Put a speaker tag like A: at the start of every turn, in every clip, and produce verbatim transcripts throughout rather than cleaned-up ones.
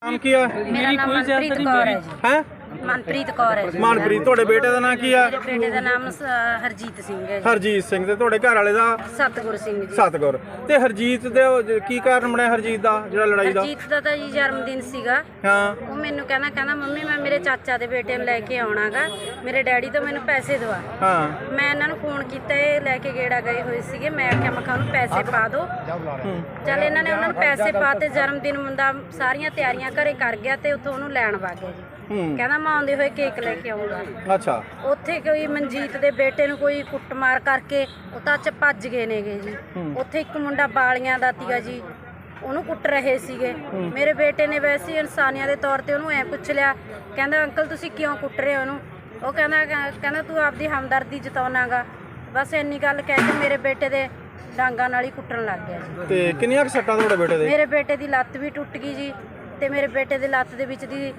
A: ਨਾਮ ਕੀ ਆ?
B: ਮੇਰਾ ਨਾਮ ਮਨਪ੍ਰੀਤ ਕੌਰ ਹੈ ਜੀ।
A: ਹੈ
B: ਮਨਪ੍ਰੀਤ ਕੌਰ ਹੈ ਜੀ।
A: ਮਨਪ੍ਰੀਤ। ਤੁਹਾਡੇ ਬੇਟੇ ਦਾ ਨਾਮ ਕੀ ਆ?
B: ਮੇਰੇ ਬੇਟੇ ਦਾ ਨਾਮ ਸ- ਹਰਜੀਤ ਸਿੰਘ ਹੈ ਜੀ।
A: ਹਰਜੀਤ ਸਿੰਘ। ਤੇ ਤੁਹਾਡੇ ਘਰ ਵਾਲੇ ਦਾ?
B: ਸਤਗੁਰ ਸਿੰਘ ਜੀ।
A: ਸਤਗੁਰ। ਤੇ ਹਰਜੀਤ ਦੇ ਉਹ ਕੀ ਕਾਰਨ ਬਣਿਆ ਹਰਜੀਤ ਦਾ ਜਿਹੜਾ ਲੜਾਈ ਦਾ?
B: ਹਰਜੀਤ ਦਾ ਤਾਂ ਜੀ ਜਨਮ ਦਿਨ ਸੀਗਾ।
A: ਹਾਂ।
B: ਉਹ ਮੈਨੂੰ ਕਹਿੰਦਾ ਕਹਿੰਦਾ ਮੰਮੀ ਮੈਂ ਮੇਰੇ ਚਾਚਾ ਦੇ ਬੇਟੇ ਨੂੰ ਲੈ ਕੇ ਆਉਣਾਗਾ, ਮੇਰੇ ਡੈਡੀ ਤੋਂ ਮੈਨੂੰ ਪੈਸੇ ਦਵਾ।
A: ਹਾਂ।
B: ਮੈਂ ਇਹਨਾਂ ਨੂੰ ਫੋਨ ਕੀਤਾ, ਇਹ ਲੈ ਕੇ ਗੇੜਾ ਗਏ ਹੋਏ ਸੀਗੇ। ਮੈਂ ਆਖਿਆ ਮੈਂ ਕਿਹਾ ਉਹਨੂੰ ਪੈਸੇ ਪਾ ਦਿਓ। ਚੱਲ ਇਹਨਾਂ ਨੇ ਉਹਨਾਂ ਨੂੰ ਪੈਸੇ ਪਾ ਤੇ ਜਨਮ ਦਿਨ ਮੁੰਡਾ ਸਾਰੀਆਂ ਤਿਆਰੀਆਂ ਘਰੇ ਕਰ ਗਿਆ ਤੇ ਉੱਥੋਂ ਉਹਨੂੰ ਲੈਣ ਵਗ ਗਿਆ ਜੀ। ਕਹਿੰਦਾ ਮੈਂ ਆਉਂਦੇ ਹੋਏ ਕੇਕ ਲੈ ਕੇ ਆਉਂਗਾ।
A: ਅੱਛਾ।
B: ਉੱਥੇ ਕੋਈ ਮਨਜੀਤ ਦੇ ਬੇਟੇ ਨੂੰ ਕੋਈ ਕੁੱਟਮਾਰ ਕਰਕੇ ਉਹ ਤਾਂ ਚ ਭੱਜ ਗਏ ਨੇਗੇ ਜੀ। ਉੱਥੇ ਇੱਕ ਮੁੰਡਾ ਬਾਲੀਆਂ ਦਾ ਤੀਗਾ ਜੀ, ਉਹਨੂੰ ਕੁੱਟ ਰਹੇ ਸੀਗੇ। ਮੇਰੇ ਬੇਟੇ ਨੇ ਵੈਸੇ ਇਨਸਾਨੀਆਂ ਦੇ ਤੌਰ ਤੇ ਉਹਨੂੰ ਐ ਪੁੱਛ ਲਿਆ, ਕਹਿੰਦਾ ਅੰਕਲ ਤੁਸੀਂ ਕਿਉਂ ਕੁੱਟ ਰਹੇ ਹੋ ਉਹਨੂੰ? ਉਹ ਕਹਿੰਦਾ ਕਹਿੰਦਾ ਤੂੰ ਆਪਦੀ ਹਮਦਰਦੀ ਜਤਾਉਣਾਗਾ। ਬਸ ਇੰਨੀ ਗੱਲ ਕਹਿ ਕੇ ਮੇਰੇ ਬੇਟੇ ਦੇ ਡਾਂਗਾਂ ਨਾਲ ਹੀ ਕੁੱਟਣ ਲੱਗ ਗਿਆ ਜੀ।
A: ਤੇ ਕਿੰਨੀਆਂ ਕੁ ਸੱਟਾਂ ਤੁਹਾਡੇ ਬੇਟੇ ਦੇ?
B: ਮੇਰੇ ਬੇਟੇ ਦੀ ਲੱਤ ਵੀ ਟੁੱਟ ਗਈ ਜੀ, ਤੇ ਮੇਰੇ ਬੇਟੇ ਦੇ ਲੱਤ ਦੇ ਵਿੱਚ ਦੀ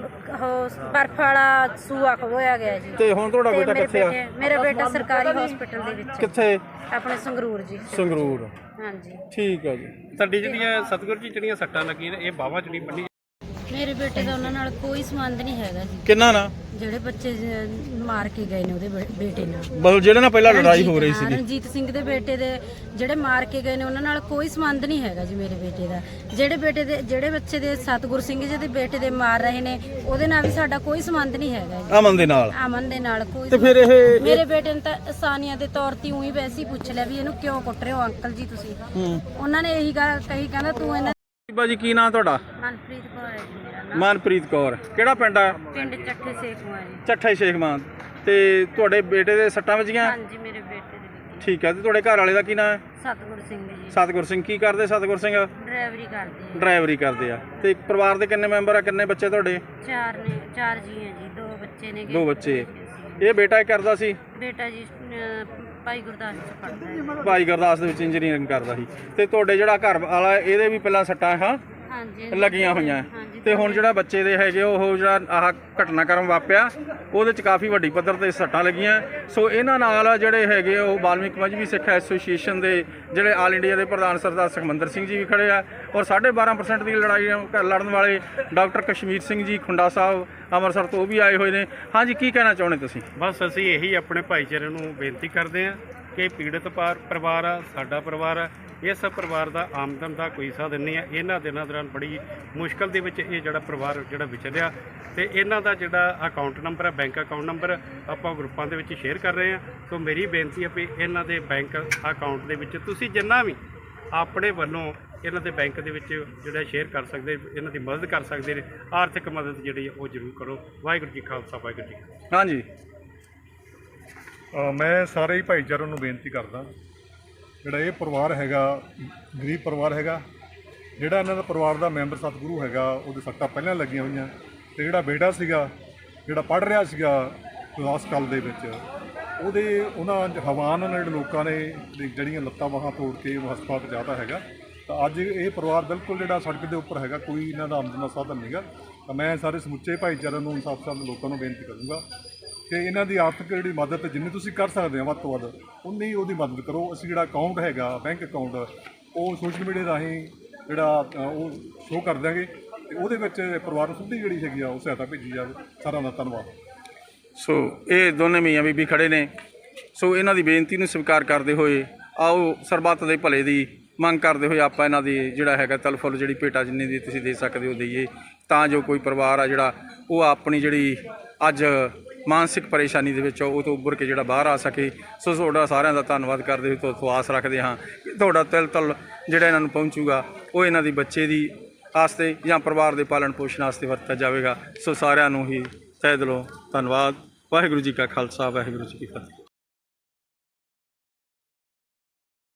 B: ਉਹ ਬਰਫ ਵਾਲਾ ਸੂਆ ਖੋਇਆ ਗਿਆ ਜੀ।
A: ਤੇ ਹੁਣ ਤੁਹਾਡਾ
B: ਤੇ
A: ਬੇਟਾ
B: ਮੇਰੇ
A: ਕਿੱਥੇ ਆ?
B: ਬੇਟੇ ਮੇਰਾ ਬੇਟਾ ਸਰਕਾਰੀ ਹਸਪੀਟਲ ਦੇ ਵਿੱਚ।
A: ਕਿੱਥੇ?
B: ਆਪਣੇ ਸੰਗਰੂਰ ਜੀ।
A: ਸੰਗਰੂਰ।
B: ਹਾਂਜੀ।
A: ਠੀਕ ਹੈ ਜੀ।
C: ਸਾਡੀ ਜਿਹੜੀਆਂ ਸਤਗੁਰ ਜੀ ਜਿਹੜੀਆਂ ਸੱਟਾਂ ਲੱਗੀਆਂ ਨੇ ਇਹ ਬਾਹਾਂ ਚ ਨਹੀਂ ਬੰਨੀ।
B: ਮੇਰੇ ਬੇਟੇ ਦਾ ਉਹਨਾਂ ਨਾਲ ਕੋਈ ਸੰਬੰਧ ਨਹੀਂ ਹੈਗਾ ਜੀ।
A: ਕਿੰਨਾ ਨਾ?
B: ਜਿਹੜੇ ਬੱਚੇ ਜ- ਮਾਰ ਕੇ ਗਏ ਨੇ ਉਹਦੇ ਬੇ- ਬੇਟੇ ਨਾਲ।
A: ਬਸ ਜਿਹੜੇ ਨਾਲ ਪਹਿਲਾਂ ਲੜਾਈ
B: ਰਣਜੀਤ,
A: ਹੋ ਰਹੀ
B: ਹਾਂ,
A: ਸੀਗੀ।
B: ਰਣਜੀਤ ਸਿੰਘ ਦੇ ਬੇਟੇ ਦੇ ਜਿਹੜੇ ਮਾਰ ਕੇ ਗਏ ਨੇ ਉਹਨਾਂ ਨਾਲ ਕੋਈ ਸੰਬੰਧ ਨਹੀਂ ਹੈਗਾ ਜੀ ਮੇਰੇ ਬੇਟੇ ਦਾ। ਜਿਹੜੇ ਬੇਟੇ ਦੇ ਜਿਹੜੇ ਬੱਚੇ ਦੇ ਸਤਗੁਰ ਸਿੰਘ ਜੀ ਦੇ ਬੇਟੇ ਦੇ ਮਾਰ ਰਹੇ ਨੇ ਉਹਦੇ ਨਾਲ ਵੀ ਸਾਡਾ ਕੋਈ ਸੰਬੰਧ ਨਹੀਂ ਹੈਗਾ ਜੀ।
A: ਅਮਨ ਦੇ ਨਾਲ?
B: ਅਮਨ ਦੇ ਨਾਲ ਕੋਈ।
A: ਤੇ ਫਿਰ ਇਹ
B: ਮੇਰੇ ਬੇਟੇ ਨੇ ਤਾਂ ਆਸਾਨੀਆਂ ਦੇ ਤੌਰ ਤੇ ਉਹੀ ਵੈਸੇ ਹੀ ਪੁੱਛ ਲਿਆ ਵੀ ਇਹਨੂੰ ਕਿਉਂ ਕੁੱਟ ਰਹੇ ਹੋ ਅੰਕਲ ਜੀ ਤੁਸੀਂ। ਉਹਨਾਂ ਨੇ ਇਹੀ ਗੱਲ ਕਹੀ, ਕਹਿੰਦਾ ਤੂੰ ਇਹਨਾਂ।
A: ਬਾਜੀ ਕੀ ਨਾਂ ਤੁਹਾਡਾ?
B: ਮਨਪ੍ਰੀਤ ਕੌਰ ਹੈ ਜੀ ਮੇਰਾ ਨਾਮ।
A: ਮਨਪ੍ਰੀਤ ਕੌਰ। ਕਿਹੜਾ ਪਿੰਡ ਆ?
B: ਪਿੰਡ ਚੱਠੇ ਸੇਖਵਾ ਜੀ।
A: ਚੱਠਾ ਸ਼ੇਖ ਮਾਨ। ਤੇ ਤੁਹਾਡੇ ਬੇਟੇ ਦੇ ਸੱਟਾਂ ਵੱਜੀਆਂ?
B: ਹਾਂਜੀ ਮੇਰੇ ਬੇਟੇ ਦੇ ਵਿੱਚ।
A: ਠੀਕ ਹੈ। ਤੇ ਤੁਹਾਡੇ ਘਰ ਵਾਲੇ ਦਾ ਕੀ ਨਾਂ ਹੈ?
B: ਸਤਗੁਰ ਸਿੰਘ ਜੀ।
A: ਸਤਗੁਰ ਸਿੰਘ। ਕੀ ਕਰਦੇ ਸਤਗੁਰ ਸਿੰਘ?
B: ਡਰਾਈਵਰੀ ਕਰਦੇ ਆ।
A: ਡਰਾਈਵਰੀ ਕਰਦੇ ਆ। ਤੇ ਪਰਿਵਾਰ ਦੇ ਕਿੰਨੇ ਮੈਂਬਰ ਆ? ਕਿੰਨੇ ਬੱਚੇ ਤੁਹਾਡੇ?
B: ਚਾਰ ਨੇ, ਚਾਰ ਜੀ ਹੈ ਜੀ। ਦੋ ਬੱਚੇ ਨੇ।
A: ਦੋ ਬੱਚੇ। ਇਹ ਬੇਟਾ ਇਹ ਕਰਦਾ ਸੀ?
B: ਬੇਟਾ ਜੀ ਅਹ, ਭਾਈ ਗੁਰਦਾਸ ਚ ਪੜਦਾ ਹੈ।
A: ਭਾਈ ਗੁਰਦਾਸ ਦੇ ਵਿੱਚ ਇੰਜੀਨੀਅਰਿੰਗ ਕਰਦਾ ਸੀ। ਤੇ ਤੁਹਾਡੇ ਜਿਹੜਾ ਘਰ ਵਾਲਾ ਇਹਦੇ ਵੀ ਪਹਿਲਾਂ ਸੱਟਾਂ ਹਾਂ
B: ਹਾਂਜੀ
A: ਲੱਗੀਆਂ ਹੋਈਆਂ।
B: ਹਾਂਜੀ।
A: ਤੇ ਹੁਣ ਜਿਹੜਾ ਬੱਚੇ ਦੇ ਹੈਗੇ ਉਹ ਜਿਹੜਾ ਆਹ ਘਟਨਾਕ੍ਰਮ ਵਾਪਿਆ ਉਹਦੇ ਚ ਕਾਫੀ ਵੱਡੀ ਪੱਧਰ ਤੇ ਸੱਟਾਂ ਲੱਗੀਆਂ। ਸੋ ਇਹਨਾਂ ਨਾਲ ਜਿਹੜੇ ਹੈਗੇ ਉਹ ਵਾਲਮੀਕ ਮਜ਼੍ਹਬੀ ਸਿੱਖ ਐਸੋਸੀਏਸ਼ਨ ਦੇ ਜਿਹੜੇ ਆਲ ਇੰਡੀਆ ਦੇ ਪ੍ਰਧਾਨ ਸਰਦਾਰ ਸੁਖਮੰਦਰ ਸਿੰਘ ਜੀ ਵੀ ਖੜੇ ਆ, ਔਰ ਸਾਢੇ ਬਾਰਾਂ ਪਰਸੈਂਟ ਦੀ ਲੜਾਈ ਲੜਨ ਵਾਲੇ ਡਾਕਟਰ ਕਸ਼ਮੀਰ ਸਿੰਘ ਜੀ ਖੁੰਡਾ ਸਾਹਿਬ ਅੰਮ੍ਰਿਤਸਰ ਤੋਂ ਉਹ ਵੀ ਆਏ ਹੋਏ ਨੇ। ਹਾਂਜੀ, ਕੀ ਕਹਿਣਾ ਚਾਹੁੰਦੇ ਤੁਸੀਂ?
C: ਬਸ ਅਸੀਂ ਇਹੀ ਆਪਣੇ ਭਾਈਚਾਰੇ ਨੂੰ ਬੇਨਤੀ ਕਰਦੇ ਹਾਂ ਕਿ ਪੀੜਤ ਪਾਰ- ਪਰਿਵਾਰ ਆ, ਸਾਡਾ ਪਰਿਵਾਰ ਆ। ਇਸ ਪਰਿਵਾਰ ਦਾ ਆਮਦਨ ਦਾ ਕੋਈ ਸਾਧਨ ਨਹੀਂ ਹੈ। ਇਹਨਾਂ ਦਿਨਾਂ ਦੌਰਾਨ ਬੜੀ ਮੁਸ਼ਕਲ ਦੇ ਵਿੱਚ ਇਹ ਜਿਹੜਾ ਪਰਿਵਾਰ ਜਿਹੜਾ ਵਿਚਰਿਆ, ਤੇ ਇਹਨਾਂ ਦਾ ਜਿਹੜਾ ਅਕਾਊਂਟ ਨੰਬਰ ਹੈ, ਬੈਂਕ ਅਕਾਊਂਟ ਨੰਬਰ ਆਪਾਂ ਗਰੁੱਪਾਂ ਦੇ ਵਿੱਚ ਸ਼ੇਅਰ ਕਰ ਰਹੇ ਹਾਂ। ਸੋ ਮੇਰੀ ਬੇਨਤੀ ਹੈ ਵੀ ਇਹਨਾਂ ਦੇ ਬੈਂਕ ਅਕਾਊਂਟ ਦੇ ਵਿੱਚ ਤੁਸੀਂ ਜਿੰਨਾ ਵੀ ਆਪਣੇ ਵੱਲੋਂ ਇਹਨਾਂ ਦੇ ਬੈਂਕ ਦੇ ਵਿੱਚ ਜਿਹੜਾ ਸ਼ੇਅਰ ਕਰ ਸਕਦੇ, ਇਹਨਾਂ ਦੀ ਮਦਦ ਕਰ ਸਕਦੇ ਨੇ, ਆਰਥਿਕ ਮਦਦ ਜਿਹੜੀ ਉਹ ਜ਼ਰੂਰ ਕਰੋ। ਵਾਹਿਗੁਰੂ ਜੀ ਖਾਲਸਾ, ਵਾਹਿਗੁਰੂ ਜੀ।
A: ਹਾਂਜੀ।
D: ਅ, ਮੈਂ ਸਾਰੇ ਹੀ ਭਾਈਚਾਰੇ ਨੂੰ ਬੇਨਤੀ ਕਰਦਾ, ਜਿਹੜਾ ਇਹ ਪਰਿਵਾਰ ਹੈਗਾ ਗਰੀਬ ਪਰਿਵਾਰ ਹੈਗਾ, ਜਿਹੜਾ ਇਹਨਾਂ ਦਾ ਪਰਿਵਾਰ ਦਾ ਮੈਂਬਰ ਸਤਿਗੁਰੂ ਹੈਗਾ ਉਹਦੇ ਸੱਟਾਂ ਪਹਿਲਾਂ ਲੱਗੀਆਂ ਹੋਈਆਂ, ਤੇ ਜਿਹੜਾ ਬੇਟਾ ਸੀਗਾ ਜਿਹੜਾ ਪੜ੍ਹ ਰਿਹਾ ਸੀਗਾ ਕਲਾਸ ਕਾਲ ਦੇ ਵਿੱਚ, ਉਹਦੇ ਉਹਨਾਂ ਹਵਾਨ ਨਾਲ ਜਿਹੜੇ ਲੋਕਾਂ ਨੇ ਜਿਹੜੀਆਂ ਲੱਤਾਂ ਬਾਹਾਂ ਤੋੜ ਕੇ ਉਹ ਹਸਪਤਾਲ ਪਹੁੰਚਾਤਾ ਹੈਗਾ। ਤਾਂ ਅੱਜ ਇਹ ਪਰਿਵਾਰ ਬਿਲਕੁਲ ਜਿਹੜਾ ਸੜਕ ਦੇ ਉੱਪਰ ਹੈਗਾ, ਕੋਈ ਇਹਨਾਂ ਦਾ ਆਮਦਨ ਦਾ ਸਾਧਨ ਨਹੀਂਗਾ। ਤਾਂ ਮੈਂ ਸਾਰੇ ਸਮੁੱਚੇ ਭਾਈਚਾਰੇ ਨੂੰ, ਇਨਸਾਫ ਸਾਹਿਬ ਦੇ ਲੋਕਾਂ ਨੂੰ ਬੇਨਤੀ ਕਰੂੰਗਾ ਕਿ ਇਹਨਾਂ ਦੀ ਆਰਥਿਕ ਜਿਹੜੀ ਮਦਦ ਜਿੰਨੀ ਤੁਸੀਂ ਕਰ ਸਕਦੇ ਹੋ ਵੱਧ ਤੋਂ ਵੱਧ ਉਨੀ ਉਹਦੀ ਮਦਦ ਕਰੋ। ਅਸੀਂ ਜਿਹੜਾ ਅਕਾਊਂਟ ਹੈਗਾ ਬੈਂਕ ਅਕਾਊਂਟ ਉਹ ਸੋਸ਼ਲ ਮੀਡੀਆ ਰਾਹੀਂ ਜਿਹੜਾ ਉਹ ਸ਼ੋਅ ਕਰ ਦਿਆਂਗੇ, ਤੇ ਉਹਦੇ ਵਿੱਚ ਪਰਿਵਾਰ ਨੂੰ ਸਿੱਧੀ ਜਿਹੜੀ ਹੈਗੀ ਆ ਉਹ ਸਹਾਇਤਾ ਭੇਜੀ ਜਾਵੇ। ਸਾਰਿਆਂ ਦਾ ਧੰਨਵਾਦ।
A: ਸੋ ਇਹ ਦੋਨੇ ਮੀਆਂ ਬੀਬੀ ਖੜੇ ਨੇ। ਸੋ ਇਹਨਾਂ ਦੀ ਬੇਨਤੀ ਨੂੰ ਸਵੀਕਾਰ ਕਰਦੇ ਹੋਏ ਆਓ ਸਰਬੱਤ ਦੇ ਭਲੇ ਦੀ ਮੰਗ ਕਰਦੇ ਹੋਏ ਆਪਾਂ ਇਹਨਾਂ ਦੀ ਜਿਹੜਾ ਹੈਗਾ ਤਲਫੁਲ ਜਿਹੜੀ ਭੇਟਾ ਜਿੰਨੀ ਦੀ ਤੁਸੀਂ ਦੇ ਸਕਦੇ ਹੋ ਦਈਏ, ਤਾਂ ਜੋ ਕੋਈ ਪਰਿਵਾਰ ਆ ਜਿਹੜਾ ਉਹ ਆਪਣੀ ਜਿਹੜੀ ਅੱਜ ਮਾਨਸਿਕ ਪਰੇਸ਼ਾਨੀ ਦੇ ਵਿੱਚ ਉਹ ਤੋਂ ਉੱਭਰ ਕੇ ਜਿਹੜਾ ਬਾਹਰ ਆ ਸਕੇ। ਸੋ ਤੁਹਾਡਾ ਸਾਰਿਆਂ ਦਾ ਧੰਨਵਾਦ ਕਰਦੇ ਹੋਏ ਤੋਂ ਆਸ ਰੱਖਦੇ ਹਾਂ ਕਿ ਤੁਹਾਡਾ ਤਿਲ ਤਲ ਜਿਹੜਾ ਇਹਨਾਂ ਨੂੰ ਪਹੁੰਚੂਗਾ ਉਹ ਇਹਨਾਂ ਦੀ ਬੱਚੇ ਦੀ ਵਾਸਤੇ ਜਾਂ ਪਰਿਵਾਰ ਦੇ ਪਾਲਣ ਪੋਸ਼ਣ ਵਾਸਤੇ ਵਰਤਿਆ ਜਾਵੇਗਾ। ਸੋ ਸਾਰਿਆਂ ਨੂੰ ਹੀ ਤਹਿ ਦਿਲੋਂ ਧੰਨਵਾਦ। ਵਾਹਿਗੁਰੂ ਜੀ ਕਾ ਖਾਲਸਾ, ਵਾਹਿਗੁਰੂ ਜੀ ਕੀ ਫਤਿਹ।